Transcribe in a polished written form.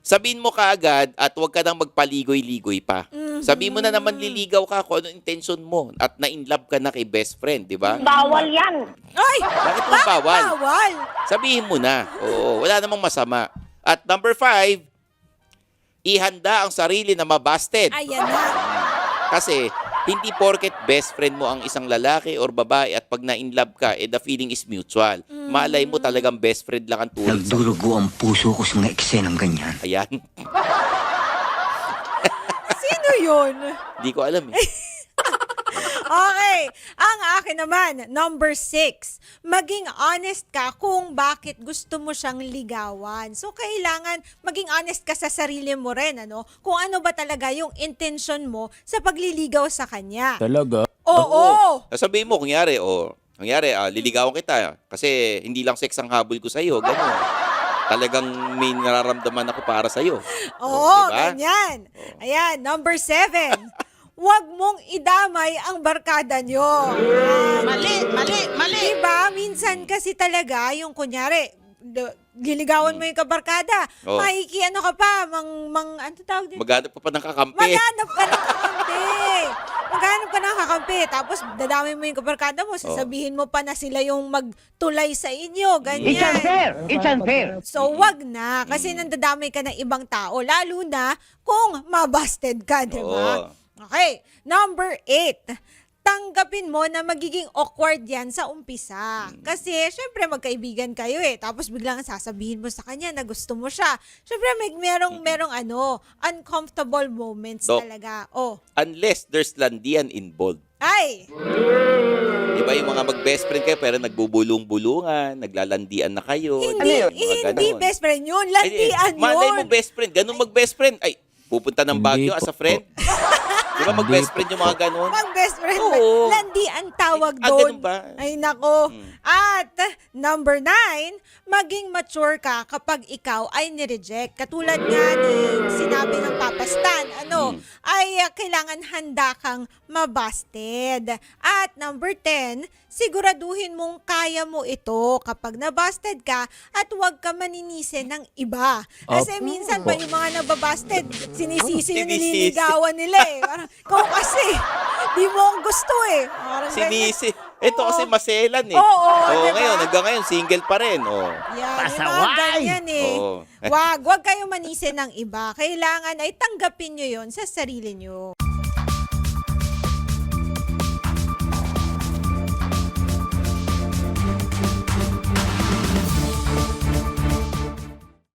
sabihin mo kaagad at huwag ka nang magpaligoy-ligoy pa. Sabihin mo na naman liligaw ka kung anong intention mo at na-inlove ka na kay best friend, di ba? Bawal yan. Ay! Bakit mo bawal? Bawal! Sabihin mo na. Oo, wala namang masama. At number 5, ihanda ang sarili na mabasted. Ayan na. Kasi hindi porket best friend mo ang isang lalaki or babae at pag na-inlove ka, the feeling is mutual. Malay mo talagang best friend lang ang turing sa... Nagdurugo ang puso ko sa mga eksenang ganyan. Ayan. Sino yun? Hindi ko alam eh. Okay. Ang akin naman, number 6. Maging honest ka kung bakit gusto mo siyang ligawan. So, kailangan maging honest ka sa sarili mo rin, ano? Kung ano ba talaga yung intention mo sa pagliligaw sa kanya. Talaga? Oo! Sabihin mo, kunyari, liligawan kita kasi hindi lang sex ang habol ko sa'yo. Ganun. Talagang may nararamdaman ako para sa'yo. Oo, diba? ganyan. Ayan, number 7. Huwag mong idamay ang barkada nyo. Mali. Diba? Minsan kasi talaga, yung kunyari, giligawan mo yung kabarkada, Oo. ano ka pa, ano tawag dito? Maghanap ka pa ng kakampi. Maghanap ka ng kakampi. Maghanap ka ng kakampi. Tapos dadami mo yung kabarkada mo, sasabihin mo pa na sila yung magtulay sa inyo. Ganyan. It's unfair. So, wag na. Kasi nandadamay ka ng ibang tao. Lalo na kung mabasted ka, di ba? Oo. Okay. Number 8. Tanggapin mo na magiging awkward yan sa umpisa. Kasi, syempre, magkaibigan kayo eh. Tapos biglang sasabihin mo sa kanya na gusto mo siya. Syempre, merong uncomfortable moments Dok. talaga. Oh. Unless there's landian involved. Ay! Diba yung mga mag-best friend kayo pero nagbubulong-bulungan, naglalandian na kayo. Hindi, Mga hindi ganon. best friend yun. Landian yun. Malay mo best friend. Ganun mag-best friend. Ay, pupunta ng Hindi Baguio as a po. friend. Di ba mag-best friend yung mga ganon? Mag-best friend. Oo. Landi ang tawag Ah, doon. ganun ba? Ay, nako. At number 9, maging mature ka kapag ikaw ay nireject. Katulad nga ni sinabi ng Papa Stan, ay kailangan handa kang mabasted. At number 10, siguraduhin mong kaya mo ito kapag nabasted ka at huwag ka maninisi ng iba. Kasi minsan pa yung mga nababasted, sinisisi yung Sinisisi. nililigawan nila eh. Parang, ikaw kasi, di mo ang gusto eh. Parang ganyan. Sinisi. Ito kasi maselan eh. Oo, diba? Ngayon, hanggang ngayon, single pa rin. Oh. Yan, Pasaway! yung mga ganyan eh. Oo. Wag kayong manisi ng iba. Kailangan ay tanggapin nyo yon sa sarili nyo.